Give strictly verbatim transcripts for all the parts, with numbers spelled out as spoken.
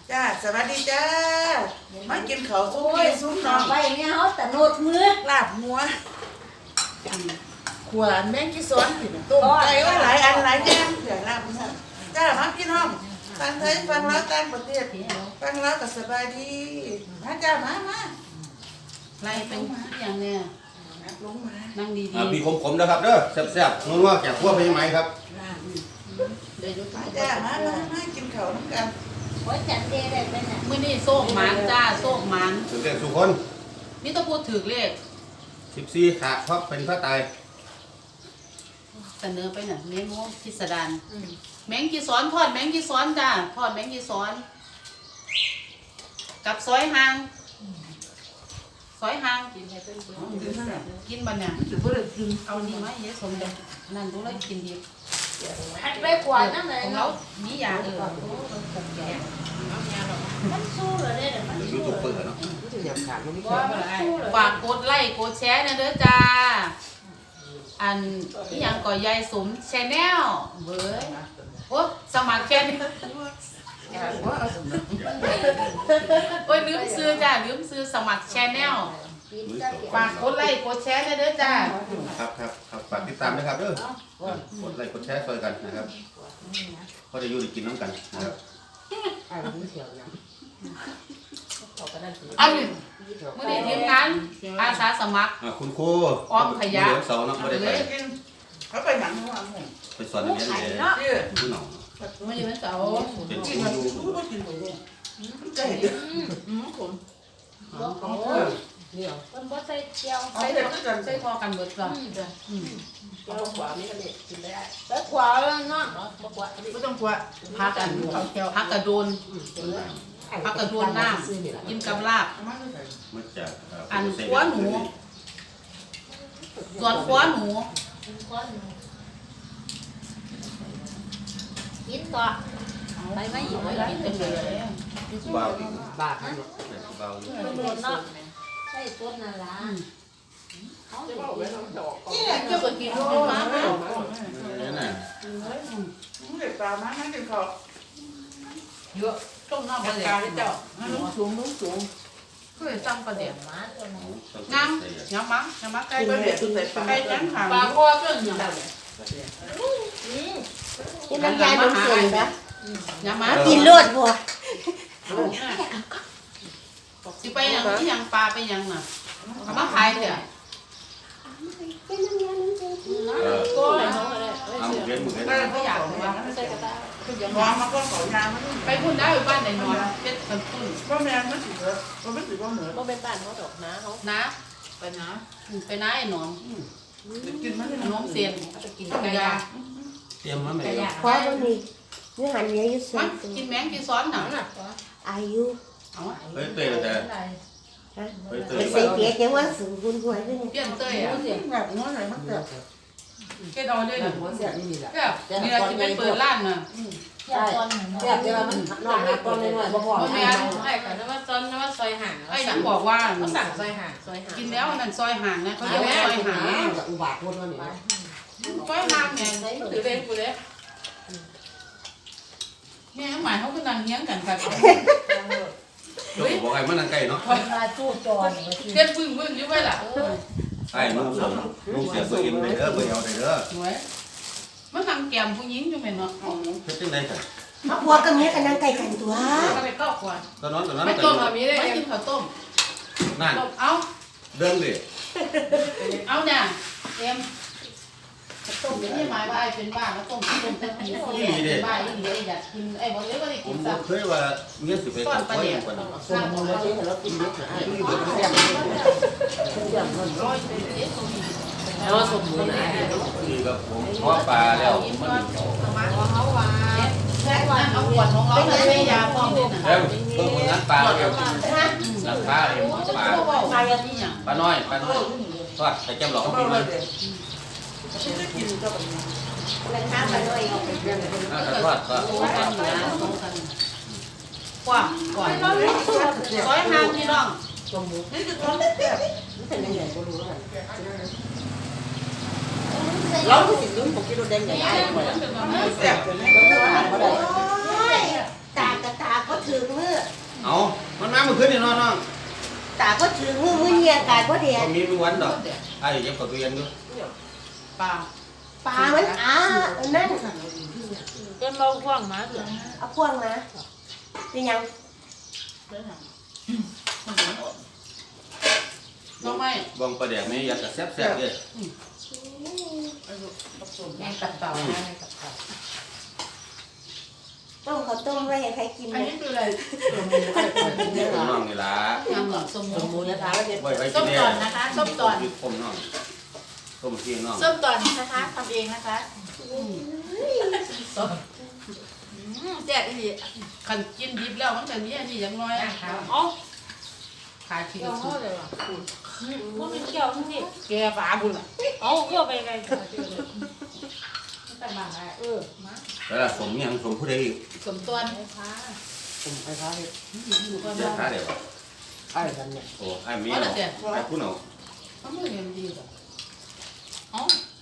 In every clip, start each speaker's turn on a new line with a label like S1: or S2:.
S1: จ้าสวัสดีจ้ามากินข้าวซุปพี่ซุปน้อง
S2: ไปเนี่ยเขาแต่โนดมือ
S1: ลาบหัวขวานแมงกีซ้อนกินต้มไก่ไว้หลายอันหลายอย่างเดี๋ยวลาบจ้ามาพี่น้องฟังไทยฟังแล้วต่างประเทศฟังแล้วก็สบายดีมาจ้ามามา
S3: ไล่เป็นอย่างเนี้ย
S1: ลงมา
S3: นั่งดี
S4: อ่ามีขมๆนะครับเด้อแซ่บๆนัวๆแกะคั่วไปยังไงครับ
S3: ๆเดี๋ยวยุด
S1: มาจ้ามามามากินข้าวน้ำกัน
S2: โอ้ยจันเดได้เป็นอ่ะ
S3: มื้อนี้โซ่หมันจ้าโซ่หมัน
S4: สุดเด็ดสุคน
S3: นี่ต้องพูดถึงเลข
S4: สิบสี่ขาเพราะเป็นพระตาย
S3: เสนอไปน่ะเมนูพิสดารแมงกีซ้อนทอดแมงกีซ้อนจ้าทอดแมงกีซ้อน กับซอยหางซอยหางกินกินมันเนี่ย
S1: จะพูดอะไรกิน
S3: เอานี่มาเยอะสมเด็จนั่นดูเลยกินดี
S2: หัดไปกว่านั่นเลย
S3: ของเรา
S2: เนาะ
S3: มียาเออมันยาดอก
S2: มันสู้เลยเนี่ยมัน
S4: ยู
S2: สู้
S4: ทูบเบอร์เนาะ
S2: ว่ามันสู้เลย
S3: ฝากกดไลค์กดแชร์นะเด้อจ้าอันนี่ยังก่อยายสมแชนแนลเว้ยโอ้สมัครแค่นี้โอ้ยลืมซื้อจ้าลืมซื้อสมัครแชนแนลฝากกดไลค์กดแชร์นะเด้อจ้า
S4: ครับครับครับฝากติดตามนะครับเด้อกดไลค์กดแชร์ช่วยกันนะครับก็จะอยู่ได้กินน้ำกันนะครับ
S3: อันนี้เมื่อนี้ทีมงานอาสาสมัคร
S4: อ่าคุณครู
S3: อ้อมขยะ
S4: เดือนเสาร์เนาะไม่ได้ไป
S1: กินเขาไปหนังหัวหมู
S4: ไปสอนนักเรียนเลย
S1: ชื่อ
S4: ผู้หนอง
S3: เมื่อวันเสาร์
S4: เป็นค
S1: กิ
S4: รู
S1: นมัน
S4: อยู่
S1: รู้ว่ากินหมูไก่อืมผม
S2: โอ้ยมันบ่ใส่เจียว
S3: ใส่ใส่พอกันเบิดก่อน
S1: เอาขวานี่กันเลยกินได้
S2: แล้วกว่าแล้วเนาะบ่กว่า
S1: ไม่ต้องกลัว
S3: พักกันพักกระโดนพักกระโดนน้ำกินกับลาบ
S1: มาเลย
S4: มาจากเ
S3: อันคว้าหนูส่วนคว้าหนู
S2: กินต่อ
S3: ไปไม่หยิบไว้กินเต็มเลย
S4: บาวอีก
S5: บาทนั่น
S4: บาวอยู่
S2: มันโดนเนาะใส่ต้นนั่นล่ะเขา
S3: นี่แหละเจ้าก็กินกินมามา
S4: นี่น่ะ
S1: เด็กตามาให้กินข้าว
S3: เยอะต้มน้ำปลาเดี๋ยวเจ้าลุงสูงลุงสูงเคยสั่งปลาเดี๋ยว
S2: หมาตัวนั้น
S3: งามยำมังยำมังไก่
S1: ไป
S3: ปลา
S1: เด็
S3: เดี๋ยว
S1: กตุ้งใส่ปลา
S3: ไก่จังหาง
S2: ปลาคอก็อย่าง
S6: นี่น้ำยาดมเสียงนะ
S3: ยำมัง
S6: กินรวดบัว
S3: สิไปยังที่ยังปลาไปยังน่ะเอามาขายเดี๋ยว
S6: เป็นน้ำยาดมเสียง
S4: เออ
S2: ก็เลยน้องเลย
S4: เอาหมูเลี้ยงหมูเลี้ยง
S3: ไม่ไม่อยากว่า
S2: ใส่กระตา
S1: มองมาก็ขอยางมัน
S3: ไปพุ่นได้บ้านไหนนอนเป็ดกันพุ่น
S1: ก็แมงมันสิเหรอก็ไม่สิก็เหนือ
S2: บ่เป็นบ้านเขาดอกนะเขา
S3: นะ
S1: ไปนะ
S3: ไปน้าไอ้หนอม
S1: กินมัน
S3: ขนมเสียน
S2: จะกิน
S3: ต้มยา
S4: เตรียมมาไหม
S2: กระยา
S6: คว้าบะหมี่เนื้อหันเนื้ออยู่ส่ว
S3: มัน นกินแมงกินซ้อนหนัง
S6: อายุ
S3: เอา
S4: เฮ้ยเตยแต่
S6: ฮะ
S4: เฮ้ยเต
S6: ไป
S4: ย
S6: ใส่เปียกยังว่าสูงคุณหวยด้วย
S3: เปลี่ยนเต้ยอ่ะ
S1: แบบน้อยหน่อยมันแบบ
S3: เกดเอาเลยหนึ่ง
S5: หัวเสียนี่นี่แหละ
S3: แบบนี่เราจะไปเปิดร้านน่ะ
S2: ใช่ตอนนั้น
S5: เสียแต่ว่ามันนอนหาตอนน้อยๆบ่พอ
S3: พ่อแม่
S7: ใช่ค่ะแต่ว่าตอนนั้นว่าซอยห่าง
S3: ไอ้หนังบอกว่า
S7: เขาสั่งซอยห่างซอยห่าง
S3: กินแล้วนั่นซอยห่างนะเขาเรียกว่าซอยห่าง
S5: อุบาทพูดว่านี่
S3: ซอยห่างเนี่ย
S7: ถือเล่นกูเลย
S3: แม่หมายเขาก็นั่งเฮี้ยงกันค่ะ
S4: เฮ้ยบอกไอ้มันนั่งใกล้เนาะ
S2: มาจู้จอนมาที
S3: เก็บพึ่งพึ่งอยู่ไว้ล่ะ
S4: ไอ้นุ่งสมนุ่งเสียเบอร์เอ็มเลยเด้อเบอร์เอลเลยเด้อ
S3: หน่วยมันนั่งแกมผู้หญิงอยู่ไหมเนาะ
S4: เฮ็ดจังได๋กัน
S6: มาพัวกับเมียกันนั่งไก่กันตัว
S3: ก็ไปเข้าก่อน
S4: ตอนนั้นตอนนั้น
S3: ไม่ต้มแบบนี้เลยไม่กินข้าวต้ม
S4: นั่น
S3: เอา
S4: เดินดิ
S3: เอาเนี่ยเอ็มต้มนี่หมายว่าไอ้เป็นบ้าแล้วต้มที่ต้มจะกินเป็นบ้าอีกเลยอยากกินไอ้บอกเลยว่าได้
S4: ผ
S3: กิ
S4: ม
S3: น
S4: บ่
S3: สัก
S4: เคยว่าเงี้ยสิไปกับพ่ออย่างกว่านี้
S5: ส่วนมันเลยที่เรากินเยอะนะไอ้ที่มันแซ่บแซ่บมัน
S3: ร้อยเป็นเอสโซบี
S5: แล้วสมบูรณ์นะ
S4: นี่ก็ผมเพราะปลาแล้วมัน
S3: เขาว่าแค่ว่าเอาขวดของเราเลยยาพร้อมด้วยนะ
S4: แล้วเบิ่งผลงานปลาแล้วน้ำปลาเองปลา
S3: ปลาอย่างนี้อย่าง
S4: ปลาน้อยปลาน้อยทอดใส่แก้มหลอกเขากินมัน
S1: จะกินก็แบบนี้
S6: มันข้ามมาด้วย
S4: ถ้าทอดก็
S3: โอ้กันอยู่นะโอ้กันกว่าก่อนร้อยห้าพี่น้อง
S1: นี่คือท้องแซ่บ
S5: เป็นยังไงก็รู้แล้วเราก็สิลุ้นผมกินโดนแดงใหญ่ๆเลย
S1: แซ่บเลยนะ
S5: เราก็หาบ่ได้
S6: โอ้ยตากระตาก็ถึงมือ
S4: เอามันมาเมื่อคืนนี่น้องน้อง
S6: ตาก็ถือมือมือเนี่ยกายก็เดีย
S4: ก็มีมือวันดอกไอ้เย็บกับตัวเย็นด้วย
S3: ปลา
S6: ปลามันอ้านั่น
S7: เป็นเราห่วงมาเถอะ
S6: เอาพวงมาเป็นยัง
S3: น้องไม่
S4: บองประเดี๋ยวไม่อยากจะแซ่บแซ่บเลย
S3: แมงตับเต่าแมงตับเต่า
S6: ต้มข้าวต้มไว้ให้ใครกิน
S3: อัน
S6: เลย
S3: นี้คืออะไร
S4: น้องนี่ล่ะ
S3: งานก่อนสม
S5: สม
S3: มู
S5: มุตินะคะว่าจะ
S4: ไว้ไว้
S3: ส้
S4: กิน
S3: ม
S4: เนี่ย
S3: ตอนนะคะส้มตอน
S4: ยืดผมน้องต้มเพียงน้อง
S3: ส้มตอนนะคะทำเองนะคะแจ๊ดอีขันกินดิบแล้วมันจะมีอันนี้อย่างน้อยอ๋อขายขี้
S7: เกี่ยว
S3: สุ
S7: เขา
S3: ด
S7: เลยว่ะพวกมันเกี่ยวนี่แกปลาบุญอ่ะเอาเกี่ยวไปไง
S3: แต่มาแล้ว
S7: เออมา
S4: แล้วล่ะสมยังสมผู้ใดอีก
S3: สมตอน
S5: ผมไปค้าเลย
S4: เจ้าค้าเดี๋ยว
S5: ไอ้กันเนี่ย
S4: โอ้ไอ้เมียเนาะไอ้ผู้เนาะ
S3: มันไม่เห็นดีหรอกอ๋อ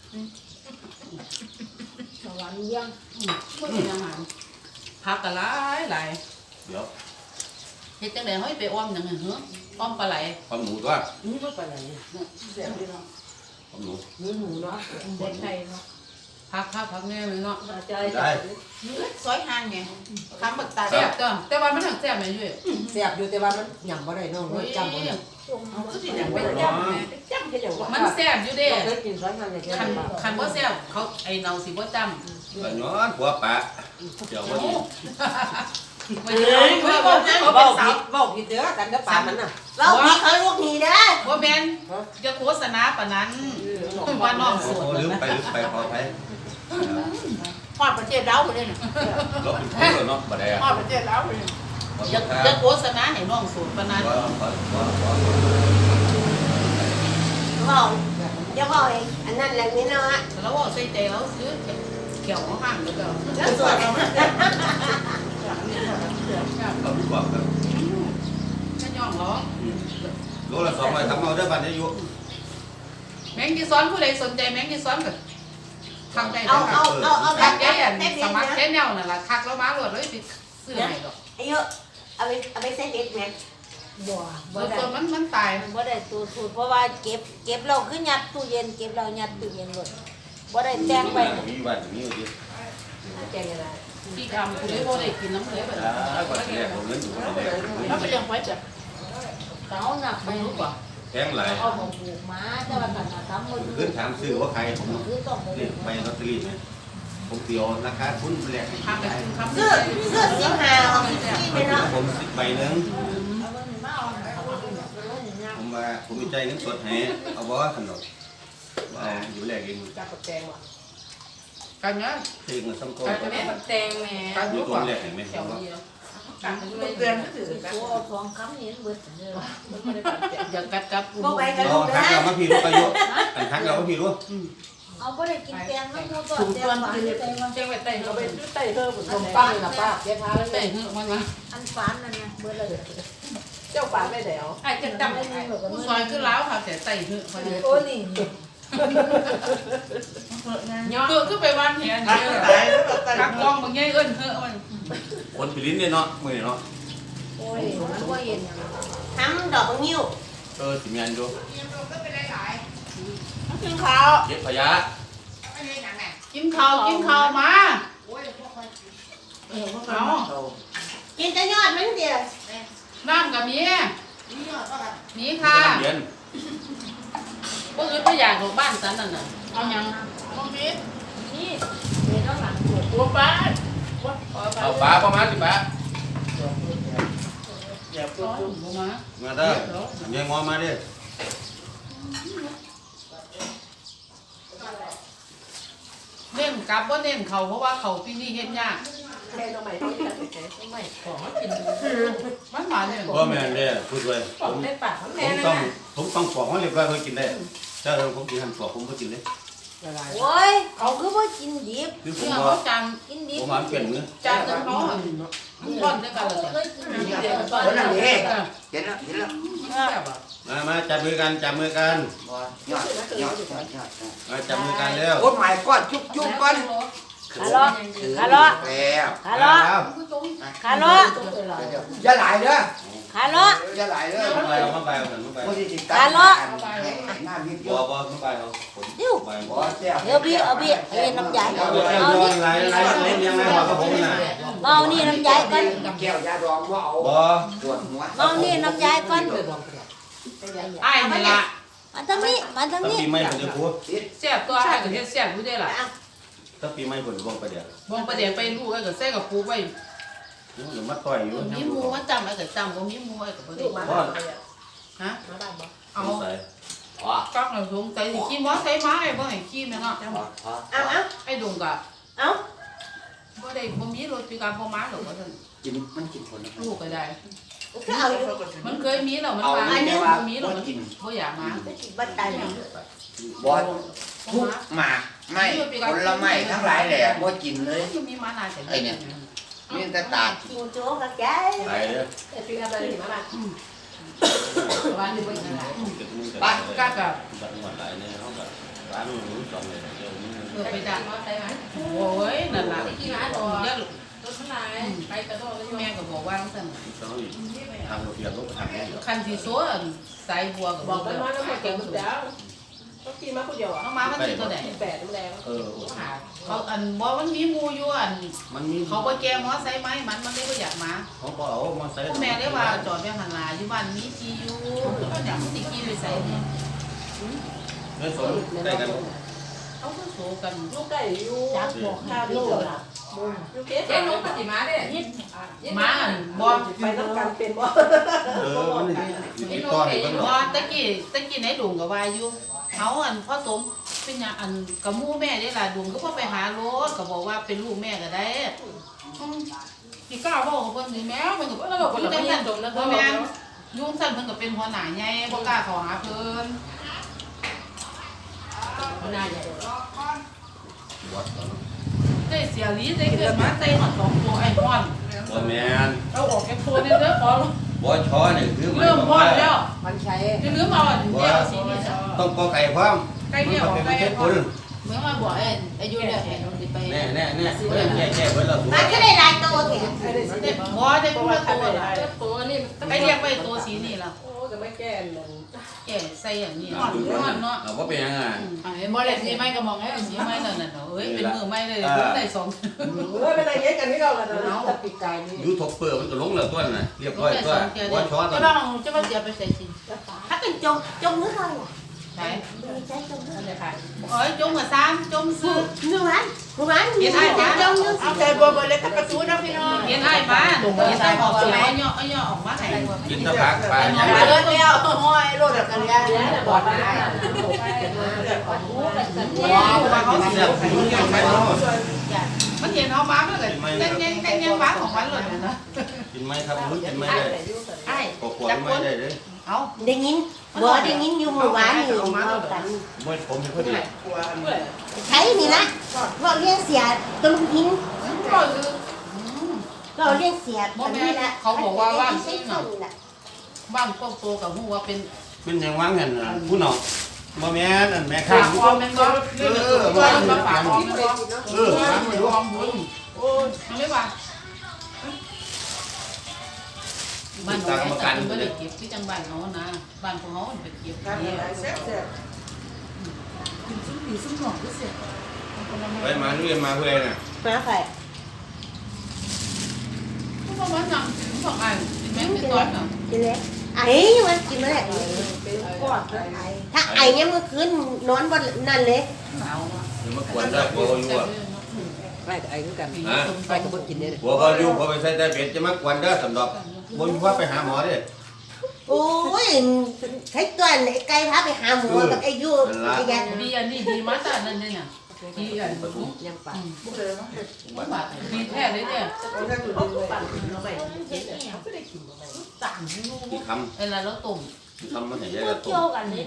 S7: สวรรค์ยัง
S3: ไม่เห็นอาหารผักกะหลายหลาย
S4: เดี๋ยว
S3: เฮ็ดจังได๋เฮ้ยไปอ้อมจังไงเหรออ้อมปลาไหล
S4: ความหมูตัว
S5: นี่ก็ไปไหนเนี่ยเสียดีเนาะ
S4: ความหมู
S5: เนื้อหมูเนาะ
S7: เด็กไทยเนาะ
S3: ผักผักผักแม่เลยเนาะ
S5: ใจ
S4: ได้
S3: ซอยห่างไงคำบักตาแซ่บจ้ะแต่ว่ามันหักแซ่บแม่ยุ่ย
S5: เสียบอยู่แต่ว่ามันหยั่งบ่ได้น้องจำบ่ได้
S3: คือสิหยังไป
S5: จำจำแค่เดียวว่า
S3: มันแซ่บอยู่เด้
S5: เคยกินซอยงานอย่างเงี้ย
S3: คันคันบ่แซ่บเขาไอ้เนาสิบ่จำ
S4: ก็ย้อนหัวปะเดี๋ยววันนี้
S3: มันจะเอาไว้บ่เขาเป็
S5: เบ้าน
S3: สา
S5: ผิ
S3: ว
S5: ดเบ้าผิดเด้อกันเด้อปลามันน่ะ
S6: เรามีเขาลูกนี้นะ
S3: บ่แม่นจะโฆษณาปานนั้นว่าน้องโส
S4: โอ้
S3: ด
S4: ลืมไปลืมไปขออภัย
S3: ฮอดประเทศลาวบ่ได้น่ะ
S4: ลบเป็นผู้เนาะบ่ได้อะ
S3: ฮอดประเทศลาวบ่ได้จะจะโฆษณาให้น้องโสดปานนั้น
S4: ขอขอขอขอ
S6: บอกจะบอกเองอันนั้นแหละนี่เนาะ
S3: แล้วว่าใส่ใจแล้วซื้อเขียวห่างแล้วก็
S6: แล้วสวย
S4: เอาผู้บอกครับ
S3: จะย่องเหรอ
S4: โลละสองร้อยทำเอาได้บัตรอายุ
S3: แมงจีซ้อนผู้ใดสนใจแมงจีซ้อนก็ทางใด
S6: เอา
S3: ได้
S6: เอาเอาเอา
S3: ทัก
S6: แบ
S3: ยั
S6: บ
S3: ยอัน
S6: แบบ
S3: สมัคร
S6: นะ
S3: แค่แนวนั่นล่ะทักแล้วมาโหลดเลยไปซื้อให้ดอก
S6: อายุเอาไปเอาไปใส่เด็ดไหม
S7: บัว
S3: ส่
S7: บั
S3: ว
S7: วน ได้
S3: ตัวมันมันตาย
S7: บัวได้ตัวสูตรเพราะว่าเก็บเก็บเราคือยัดตู้เย็นเก็บเรายัดตู้เย็นหมดบัวได้แจ้งไป
S4: มีวันมีอยู่ดิ
S5: แกงอะไร
S3: ที่ทำผู้ใดบ่ได้กินน้ำเลยแบบ
S4: อ่าก่อนที่แรกผมเงินอยู่คนเดียว
S3: แล้วไปยังไว้จ้ะ
S7: เขาหนักไป
S3: ไม่รู้ป่ะ
S4: แพงหลาย
S7: เอาของปลูกมาแต่ว่าขนาดทำหมด
S4: ขึ้นถามซื้อว่าใครผม
S7: คือต้องไป
S4: นี่ไปลอตเตอรี่ไหมผมเตียวราคาทุนแรก
S3: ทำไปทำ
S6: เสื้อเสื้อสีหาเอาสีที่ไปเนาะ
S4: ผมสิบใบหนึ่ง
S7: เอาเงินมาเอาเอาเงินมาเอาเงินมา
S4: ผมว่าผมมีใจเงินสดให้เอาบ่ขนมเอาอยู่แรกเอง
S5: จับกับแกงว่ะ
S3: กันเนาะ
S4: เองมันสำคัญ
S7: จะไม่แบบแตงแม่
S3: กัน
S4: อยู่
S3: รู้
S4: ตัว
S3: ป่ะ
S4: แรกเห็นไหม
S3: แถว
S4: ว่า
S3: เดียว
S7: กันเป็นเดือนก็ถือกันเอาทองคำนี้เบิดเลย
S3: อย่ากัดกับ
S6: บอกไปกัน
S4: เรา
S6: ลูก
S4: ทัก
S6: นะ
S4: เรามาพี่รู้อายุอันทักเรามาพี่รู้
S7: เอาไปได้กินแตงน้ำมูตัวแตงหวานแตง
S3: แจ้งไว้ใต้
S5: เรา
S3: เขา
S5: ไป
S3: ไป
S5: ซื้อไต่เธอผมลงป้าเลยนะป้าเจ๊พาเลย
S3: ใต้เหือะมันมา
S7: อันฟานนั่นนะเบิดเลย
S5: เจ้าป้าไม่แถว
S7: ไอ้จะดำได้เหมือนกัน
S3: ผู้ซอยคือล้าวค่ะแต่ใต้เหือะเขาเลย
S7: โอ้นี่
S3: เหือะคือไปวันเหียน
S1: ตา
S3: เนี่ย
S1: ตายแล้วตาย
S3: กักกองบางอย่างเอิ้นเหือะมัน
S4: คนไปลิ้นเนี่ยเนาะมือเนาะ
S7: โอ้ยมันก็เย็น
S6: ทำดอกนิ้ว
S4: เออสิเมียนดู
S3: กินข้าว
S4: เก็บขยะ
S3: กินข้าวกินข้าวมาเอา
S6: กินแต่ยอดมันเดียว
S3: น้ำกับมีมีค่ะ
S4: เรียน
S3: พวกอื่นไม่อยากหลบบ้านฉันนั่นน่ะเอายังต้องมี
S7: นี่เดี๋ยวต้องหลังปวด
S3: ตัวป้า
S4: เอาปลาประมาณสิปลา
S5: อย่า
S3: ตัว
S5: ปุ๊บ
S3: ลงมา
S4: มาเด้อยังงอมาดิ
S3: เน้นกลับว่าเน้นเขาเพราะว่าเขาปีนี้เฮ็ดยาก
S5: แค่ทำไมต้องจัดแกงทำไมของกิน
S3: มันหวานเนี่ย
S4: พ่อแม่เนี่ยพูดเลย
S5: ข
S4: ผ
S5: อง
S4: ม
S5: ในปาก
S4: ผ
S5: แม่
S4: ม
S5: นะ
S4: ต้องผมต้องปอกให้เรียบร้อยเพื่อกินได้ถ้าผมกินหั่นปอกผมก็กินได้
S5: ละลาย
S7: โอ้ยเขาคือว่ากินดิบ
S4: คือผม
S3: เนี่ย
S4: ว่า
S3: เขาจาน
S7: กินดิ
S4: ผ
S7: บ
S4: มหานเปลี่ยนมือ
S3: จานนึงเขาอ่ะมันร่อนด้วยกันเลย
S7: เคยกินดิบ
S3: เดี๋ยวก่อน
S8: เห็นแล้วเห็นแล้ว
S4: มามาจับมือกันจับมือกัน
S8: ยอดยอดยอดยอด
S4: มาจับมือกันแล้ว
S8: โอ้หมายก้อนจุ๊บจุ๊บก้อน
S7: ขาเลาะขาเลาะ
S8: แล้ว
S7: ขาเลาะขาเลาะ
S8: อย่าหลายเด้อ
S7: ขาเลาะ
S8: อย่าหลายเด้อ
S4: มาไปเอามาไปเอากันมาไป
S8: บ่สิติด
S7: ขาเลาะ
S8: หน้ามิด
S4: บ่บ่มาไปเอาผมไป
S8: บ่แซ่บ
S7: เดี๋ยวพี่เอาพี่เอาเย็นน้ำยา
S4: เอา
S7: เอา
S4: เรื่อง
S7: นี่
S4: อะไรอะไรเล่นยังไงหัวกับผมน่ะ
S7: เอานี่น้ำยาก่อน
S8: แก้วยาดองบ่เอา
S4: บ่
S8: ตรวจหัว
S7: เอานี่น้ำยาก่อน
S3: ไอ้นี่ล่ะ
S7: มาทางนี้มาทาง
S4: ถ้า
S7: นี้
S4: ปีใหม่ผมจะพูด
S3: แซ่บตัวไอ้ก็เฮ็ดแซ่บอยู่ได้ล่ะ
S4: ถ้าปีใหม่ผมจะบอกไปเดี๋ยว
S3: บ่ประเดี๋ยวไปลูกไอ้ก็ใส่กับปูไว้
S4: เดี๋ยวมาต่อยอยู่
S3: มีหมูมาจำไอ้ก็จำบ่มีหมูไอ้ก็บ่ได้มาฮะเอา
S4: ใส่
S3: กักหน่อยสงสัยสิขี่มอไซค์มาไอ้บ่ให้ขี่แม่เนาะ
S7: เอาเอา
S3: ไอ้ดงก็
S7: เอา
S3: บ่ได้บ่มีรถปีการพอมาหรอกว่าซั่น
S8: กินมันกินคน
S3: ลูกก็ได้
S7: ก็เอาอยู่
S3: มันเคยมีแล้วมัน
S8: เอา
S3: ว่า
S8: อันนี้
S3: บ่
S8: ว่า
S3: มี
S8: บ่
S3: แล้วมัน
S8: กิน
S3: บ่อยากมา
S7: บัดตาย
S8: บ่ทุกหมากไม่ผลไม้ทั้งหลายแหละบ่กินเลย
S3: ยังมีมานาแต่
S8: ไอ้เนี่ยมีแต่ตาด
S7: กินโจ๊กกับใจ
S4: ไปเด้อ
S3: วันนี้บ่กิน
S4: ไป
S3: กักก็
S4: จังหวัดไหนเนี่ยเขาแบบร้านหมูสองเลยเดี๋ยวนี้
S3: เออไปจ้ะโอ้ยนั่นล่ะเดี๋ยว
S2: ไปกระโดดเลย
S3: แม่ก็บอกว่าจังซั่น
S4: ต้องอีกทางเราเปลี่ยนรูปทางนี้เดี๋ยว
S3: คันสิโซอันสายบัวก็
S2: บอก
S3: แล้
S2: กัน
S3: ว
S2: ว่าน้ำมันเก่งสุดแล้วต้องกินมาคนเดียวอ่ะ
S3: น้องมามันสิตัวใด
S2: แปดน้ำแรง
S4: เออ
S3: เขาอันบ่มันมีหมู่อยู่อัน
S4: มันมี
S3: เขาบ่แก้มอไซค์ไหมมันมันเลยบ่อยากมา
S4: เขาบอกเอามาใส่
S3: พ่อแม่ได้ว่าจอดไว้หันหลาอยู่บ้านมีที่อยู่ก็อยากสิขี่ไปใส่เนี่ย
S4: เนื้อสดได้กัน
S3: เขาก็โซกัน
S2: ลูกไก่อยู่
S7: จับบอกข้าวดีกว่า
S2: ลูกเก๊เจ๊น้องปฏิมาเด้
S3: มาอันบ่
S2: ไปต้องการเป็นบ่
S4: เออมันติดต่อให้กันหรอ
S3: บ่ตะกี้ตะกี้ในดงก็ว่าอยู่เขาอันพ่อสมเป็นหยังอันกับหมู่แม่ได้ล่ะดงก็บ่ไปหารถก็บอกว่าเป็นลูกแม่ก็ได้อืมพี่ก้าวบอกกับเพิ่นนี่แม่มันก็บ่แล้วก็บ่ได้ยันดงนะบ่แม่นยุงสั่นเพิ่นก็เป็นหัวหน้าใหญ่บ่กล้าเข้าหาเพิ่น
S2: น่าใหญ่
S4: วัดก่อน
S3: ได้เสียลีได้เกิดมาได้หอดสองตัวไอ้พ่อน
S4: บ่แมน
S3: เอาออกแค่ตัวนี่เด้อพอ
S4: บ่ช้อนี่คือหมาย
S3: เริ่ม
S4: ความ
S3: พ่อ
S4: ว่า
S3: แล้ว
S2: มันใช้
S3: จะลืมเอาอันเดียวสีนี้
S4: ต้องกอไก่พร้อม
S3: ใกล้เดียว
S4: มัน
S3: ใกล้
S4: เป็น
S3: พ่
S4: คุ
S3: อ
S4: ณ
S3: เมื่อมาบอกไอ้อายุเนี่ยไป
S4: แน่แน่แน่แก่แก่ไว้แล้ว
S7: มาแค่ได้ลายตัวแค่
S2: ไอ้เด็กสี
S3: เด็ก
S2: บ่
S3: บ่ได้ตัวตัวละ
S2: ตัวนี่
S3: ไอ้เรียกไปตัวสีนี่ละ
S2: โอ้จะไม่แก้หนึ่ง
S3: แก่ใส่อย่างนี้นอนเนาะ
S4: เอาว่าเป็นยังไง
S3: ไอ้บ่ได้สีไม้ก็มองไอ้สีไม้นั่นน่ะเอ้ยเป็นมือไม้เลยได้สอง
S2: เฮ้ยเป็นอะไรเงี้ยกันนี่เราละเนาะจะปีกไก่นี่
S4: ยูทูบเปอร์มันก็ลงแล้วตัวน่ะเรียบร้อยตัวว่าช้อตัว
S3: จะบ้างจะมาเสียไปใส่สิ
S7: ถ้าเป็นจงจงนึกอะไร
S3: ใช่
S7: มีใจจงนึก
S3: เลยค่ะเอ้ยจงมาซ้ำจงซื้อ
S7: นึกวันนึกวันมีใจจงนึก
S2: เอาใจบัวบัวเล็กตะกระซูนะพี่น้อง
S3: เห็นไอ้บ้านเห็นไอ้บอกเสียเอาเนาะเอาเนาะออกมาให้
S4: กินตะพักไป
S3: น้อง
S2: มา
S3: มา
S2: เล
S3: เลย ย
S2: เดียวห้อยรถแบบกันยาเนี่ยบอดได้ว้าวมาเขา
S4: เสียบหูยังไม่รู้
S3: มันเห็นเอามามันก็เต้นยังเต้นยังบ้าของมันเลยนะ
S4: กินไหมครับรู้กินไหมได้
S3: ไอ้
S4: กอกๆไม่ได้เลย
S3: เอา
S7: ได้ยินบ่ได้ยินอยู่เมื่อวานนี่เอากัน
S4: ไม่ผมเห็นพอดี
S7: ใช้นี่ละเราเลี้ยงเสียตะลุงหิน
S3: ก็คือ
S7: เราเลี้ยงเสียตะลุงนี่ละใช้ต้นนี่ละ
S3: บ้านพวกโตกับหัวเป็น
S4: เป็นยังว่างเห็นผู้น้องบ่แม่นอันแม่
S3: ขา
S4: ข้าง
S3: คอมมันก็เรื่องตัวตัวมาฝากคอมก็
S4: เออฟังไม่รู้
S3: คอมบุญโอ้ยทำไม่ว่าบ้านของไอ้จันก็ได้เก็บที่จังบ้านเขานะบ้านของเขาเป็นเก็บ
S1: การ
S3: นี่
S1: หลายแซ่บแซ่บกินซุ้มผีซุ้มหนองก็เสีย
S4: ไปมาเรียนมาเพื่อนน่ะ
S7: มาใคร
S3: ก็บอกว่าหนังบอกไอ้แม่ไม่ต้อนอ่ะ
S7: กินเลยไอ้มันกินมาแล้ว
S2: เป็นกอดไอ้
S7: ถ้าไอ้เนี่ยเมื่อคืนนอนบนนั่นเลย
S3: สาว
S4: เดี๋ยวมากวนได้กลัวอยู่อ่ะ
S2: ไอ้ไอ้คือกัน
S4: ฮะ
S2: ไอ้ก็บ่กินเนี่ย
S4: กลัวเขาอยู่พอไปใส่แต่เบ็ดจะมากวนเด้อสำหรับบ่มีว่าไปหาหมอเด้
S7: โอ้ยใช้ตัวไหนไก่พาไปหาหมอกับไอ้ยูไอ้ยัน
S3: ดีอันนี้ดีมาแต่นั่นเนี่ยดีอัน
S2: ยังปาก
S1: บุกเลยมั้ง
S3: บาทดีแท้เลยเนี่ย
S1: โอ้ยถ้าอยู่ดีเลย
S2: เราไม่กินเนี่ยไม่ได้กิน
S3: ต่างลูก
S4: ที่ท
S3: ไอ้ละแล้วตุ่ม
S4: ำที่ทำมันเห็นยังไงต้ม
S7: นะ
S4: แห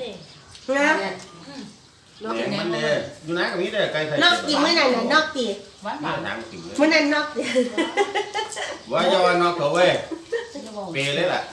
S4: นมมันเด้อยู่ไหนกับนี้เด้ไก่ไข่
S7: นอกตีเมื่อนั้นน่ะนอกตี
S3: หวาน
S4: มา
S3: บาท
S4: ทางติ่งเลย
S7: เมื่อนั้นนอกตี
S4: ว่าจะว่านอกเขาเว้ยเปเลยล่ะ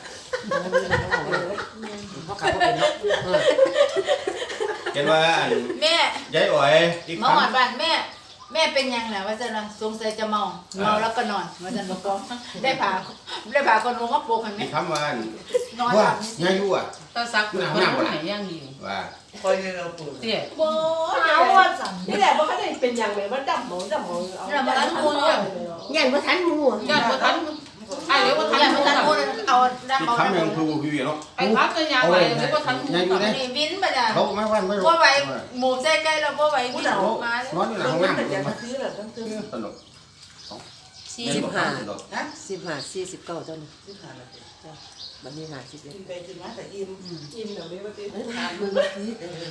S2: เขาขับเป็นนก
S4: เห็นว่า
S7: แม่
S4: ยายอ๋อยอีก
S7: มา
S4: ค
S7: หอดบ้านแม่แม่เป็นยังไงว่าจะนะสงสัยจะเมาเมาแล้วก็นอนว่าจะบอกว่าได้ผ่าได้ผ่าคนรู้ว่าโปกเห็นไหม
S4: มีคำว่าน
S7: อนห
S4: ว่า
S7: ลับ
S4: ยายู่อ่ะ
S3: ตาซักคนรู้ไหนย่างอยู่
S4: ว่า
S1: คอยเราปวด
S3: เตี้ย
S6: โบ้เอาว่าสั่งนี่แหละว่าเขาได้เป็นอย่างไรว่าดำหมองดำหมองเอา
S7: เรามาล้างมือเนี่ย
S6: อย่างว่าทันมู
S3: ญาติบ่ทันไอ้เดี๋ยวบ่ทัน
S7: อย่า
S3: บ่
S7: มา
S3: ทั
S7: ตั
S3: น
S7: ดมือเอาด้าน
S4: อีก
S7: เบา
S4: คำหนึ่งคือพี่เนาะ
S3: ไอ้พักก็ยาวไปเดี๋ยวบ่ทัน
S4: ยายู่เนี่ย
S7: นี่วินมาจ้ะ
S4: เขาไม่ว่านไม่รู้
S7: ว่าไหวหมูใส่ไก่เราว่าไหววินมา
S4: นอนอยู่หลัง
S1: ต้อง
S4: ห้อง
S1: นั่ง
S4: น้ำ
S1: แต่จะซื้อหรอต้องซื้อ
S4: ตลก
S5: สี่สิบห้า
S1: นะ
S5: สิบห้าสี่สิบเก้าต้น
S1: ซื้อขาดเลย
S5: บันนี้ห้าสิบเอ็ด
S1: กินไปกินมาแต่อิ่มอิ่มเดี๋ยวนี้ว่าตี
S6: ขาดมือนี้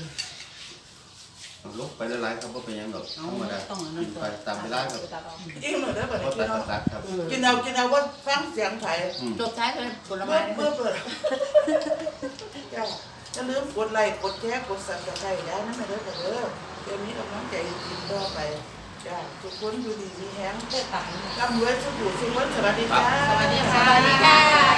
S4: ลุกไปละลายครับว่าเป็นยังหรอกธรรมดากินไปตามเวลาครับ
S1: อิ่มเลยได้ป่ะ
S4: ก็
S1: เนี่ย
S4: ตั
S1: พี่
S4: ด
S1: น้อง
S4: ตัดครับ
S1: กินเอากินเอาว่าฟังเสียงไผ่
S7: จบท้ายเลยผล
S1: เมื่
S7: ไม้
S1: อเมื่อเปิดจ้าจะลืมกดไลค์กดแชร์กดสั่นกระไคร้ได้นั่นไม่ได้แต่เด้อเดี๋ยวนี้กำลังใจกินต่อไปจ้าทุกคนดูดีมีแฮงร่ำรวยสุขอยู่สุขวันสวัสดีจ้า
S3: สวัสดี
S7: ส
S3: ค่ะ
S7: วัสดีค่ะ